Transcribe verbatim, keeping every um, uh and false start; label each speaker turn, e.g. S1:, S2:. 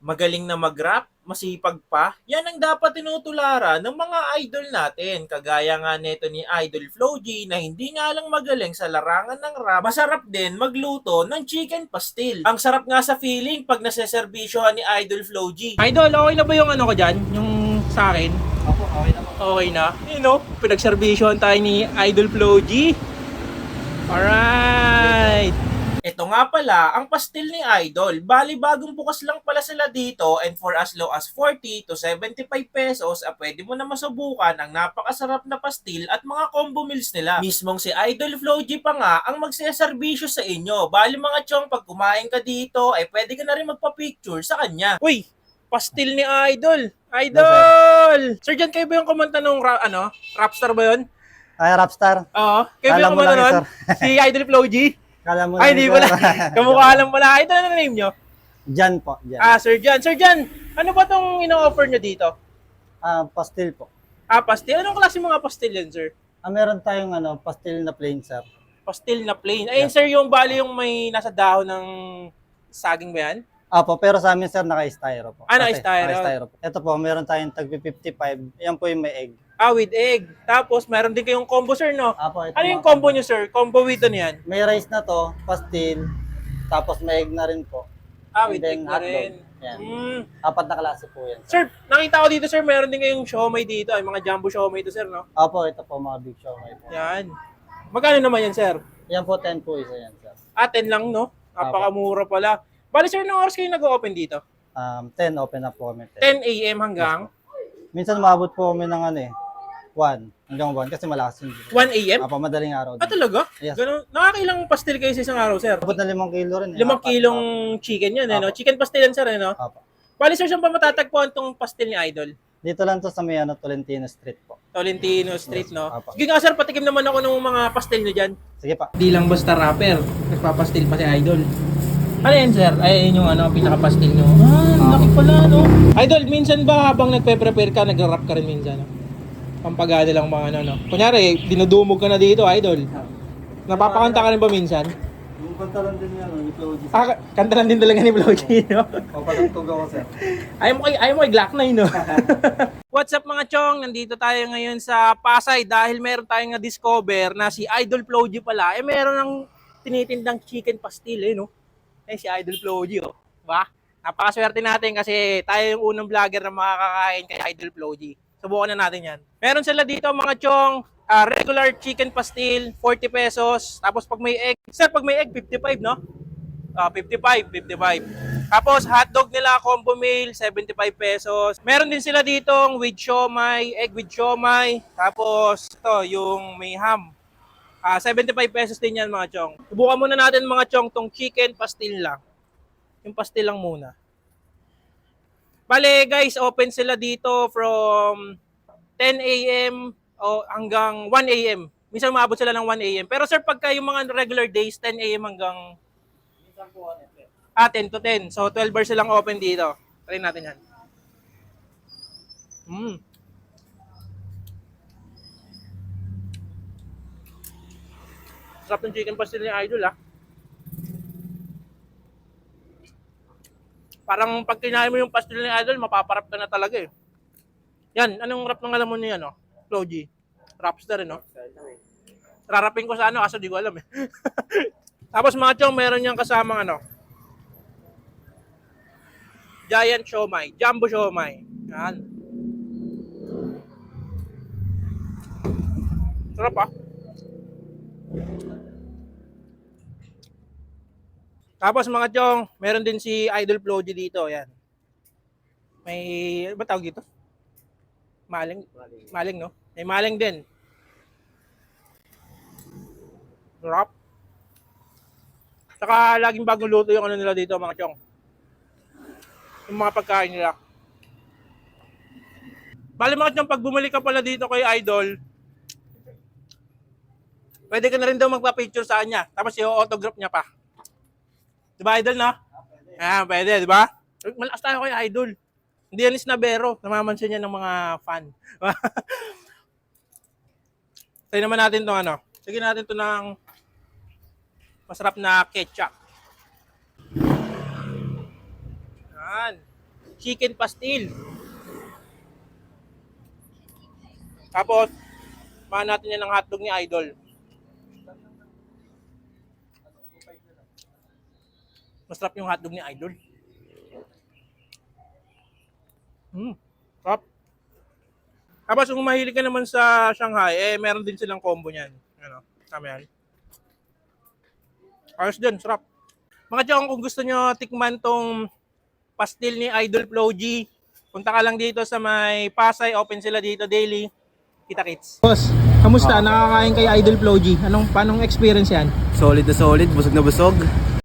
S1: Magaling na mag-rap, masipag pa, yan ang dapat tinutularan ng mga idol natin. Kagaya nga neto ni Idol Flo G na hindi nga lang magaling sa larangan ng rap, masarap din magluto ng chicken pastil. Ang sarap nga sa feeling pag naseserbisyohan ni Idol Flo G. Idol, okay na ba yung ano ko dyan? Yung sa akin?
S2: Opo, okay na po.
S1: Okay na. You know, pinagserbisyohan tayo ni Idol Flo G. Alright! Ito nga pala, ang pastil ni Idol. Bali, bagong bukas lang pala sila dito and for as low as forty to seventy-five pesos, ah, pwede mo na masubukan ang napakasarap na pastil at mga combo meals nila. Mismong si Idol Flo G pa nga ang magseserbisyo sa inyo. Bali mga chong, pag kumain ka dito, ay pwede ka na rin magpa-picture sa kanya. Uy! Pastil ni Idol! Idol! Sir, dyan kayo ba yung kumanta nung ra- ano, rapstar ba yun?
S2: Ay, Rapstar.
S1: Oo. Kayo ba
S2: Kala
S1: yung
S2: mo
S1: kumanta
S2: lang yun,
S1: nun? Si Idol Flo G?
S2: Kala mo
S1: Ay,
S2: lang
S1: hindi
S2: yun,
S1: pala.
S2: sir.
S1: Kamukha lang pala. Ito na name nyo?
S2: Jan po, Jan.
S1: Ah, Sir Jan. Sir Jan, ano ba tong ino-offer nyo dito?
S2: Ah, pastil po.
S1: Ah, pastil. Anong klase mga pastil yan, sir?
S2: Ah, meron tayong ano, pastil na plain, sir.
S1: Pastil na plain. Ayun, sir, yung bali yung may nasa dahon ng saging ba yan?
S2: Apo, pero sa amin, sir, naka-styro po.
S1: Ah,
S2: Kasi-
S1: naka-styro.
S2: naka-styro po. Ito po, meron tayong tag fifty-five. Yan po yung may egg.
S1: Ah, with egg. Tapos, meron din kayong combo, sir, no?
S2: Apo, ito
S1: Ano yung
S2: mga-
S1: combo nyo, sir? Combo with ano yan?
S2: May rice na to, pastil, tapos may egg na rin po.
S1: Ah,
S2: And
S1: with
S2: then
S1: egg na
S2: hotdog.
S1: rin.
S2: Yan.
S1: Mm.
S2: Apat na klase po yan.
S1: Sir,
S2: Sir.
S1: nakita ko dito, sir, meron din kayong siomay dito. Ay, mga jumbo siomay to, sir, no?
S2: Apo, ito po mga big show. Po.
S1: Yan. Magkano naman yan, sir?
S2: Yan po, ten po isa yan, sir.
S1: Ah, ten lang, no? Napakamura pala. Bali, sir, nung oras kayo nag-open dito?
S2: Um, ten, open up po kami.
S1: ten a.m. hanggang
S2: Minsan umabot po kami ng ano eh, one hanggang one kasi malakas yung
S1: one a.m.?
S2: Apa, madaling araw.
S1: Ah, talaga?
S2: Yes.
S1: Ganun. Nakakailang pastil kayo sa isang araw, sir?
S2: Abot na limang kilo rin. eh.
S1: Limang
S2: Apat.
S1: kilong chicken yan, eh, no? Chicken pastil yan, sir, eh, no?
S2: Apa.
S1: Bali, sir, saan pa matatagpuan tong pastil ni Idol?
S2: Dito lang to sa may ano, Tolentino Street po.
S1: Tolentino Street, no?
S2: Apa.
S1: Sige nga, sir, patikim naman ako ng mga pastil nyo dyan.
S2: Sige pa.
S1: Di lang basta rapper, nagpapastil pa si Idol. Ano yan, sir? Ay, yun yung ano, pinaka-pastil nyo. Ah, laki pala, no? Idol, minsan ba habang nagpe-prepare ka, nag-rap ka rin minsan, no? Pampagada lang mga ano, no? Kunyari, dinudumog ka na dito, Idol. Napapakanta ka rin ba minsan?
S2: Yung pantalon din yan, yung Floji.
S1: Ah, kanta lang din talaga ni Floji, no?
S2: O, patugtog ako, sir.
S1: Ayaw mo kay, ayaw mo kay Glock nine, no? What's up mga chong? Nandito tayo ngayon sa Pasay dahil meron tayong na-discover na si Idol Floji pala, eh meron ng tinitindang chicken pastil, eh, no? Eh, si Idol Floji, oh. Diba? Napakaswerte natin kasi tayo yung unang vlogger na makakakain kay Idol Floji. Subukan na natin yan. Meron sila dito mga chong, ah, regular chicken pastil, forty pesos. Tapos pag may egg, sir, pag may egg, fifty-five, no? Ah, fifty-five, fifty-five. Tapos hotdog nila, combo meal, seventy-five pesos. Meron din sila ditong with siomay, egg with siomay. Tapos ito, yung may ham. Ah, seventy-five pesos din yan mga chong. Subukan muna natin mga chong tong chicken pastil lang. Yung pastil lang muna. Bale guys, open sila dito from ten a.m. o hanggang one a.m. Minsan maabot sila ng one a.m. Pero sir, pagka yung mga regular days, ten a.m. hanggang
S2: Minsan po, ano, sir.
S1: ah, ten to ten. So twelve hours silang open dito. Try natin yan. Mm. Sarap ng chicken pastil ni Idol, ah. Parang pag kinain mo yung pastil ni Idol, mapaparap ka na talaga, eh. Yan, anong rap ng alam mo niya, no? Floji. Rapstar, eh, no? Rarapin ko sa ano, kaso di ko alam, eh. Tapos mga chong, meron niyang kasamang ano, giant siomay, jumbo siomay. Yan. Sarap, ah. Tapos mga chong, meron din si Idol Floji dito, yan. May, ano ba tawag dito? Maling. Maling, no? May maling din. Sarap. Saka laging bagong luto yung ano nila dito, mga chong. Yung mga pagkain nila. Bali mga chong, pag bumalik ka pala dito kay Idol, pwede ka na rin daw magpa-picture sa kanya. Tapos i-autograph niya pa. Diba, Idol, no? Ah, pwede, diba? Malakas tayo kay Idol. Hindi yan is nabero. Namamansin niya ng mga fan. Try naman natin itong ano. Sige natin ito ng masarap na ketchup. Yan. chicken pastil. Tapos, mahan natin yan ng hotdog ni Idol. Masarap yung hotdog ni Idol. Hmm, sarap. Tapos kung mahilig ka naman sa Shanghai, eh meron din silang combo niyan. Ano, tama yan. Ayos din, sarap. Mga chong, kung gusto nyo tikman tong pastil ni Idol Flo G, punta ka lang dito sa may Pasay, open sila dito daily. Kita-kits. Boss, kamusta? Nakakain kay Idol Flo G. Anong, panong experience yan?
S3: Solid na solid, busog na busog.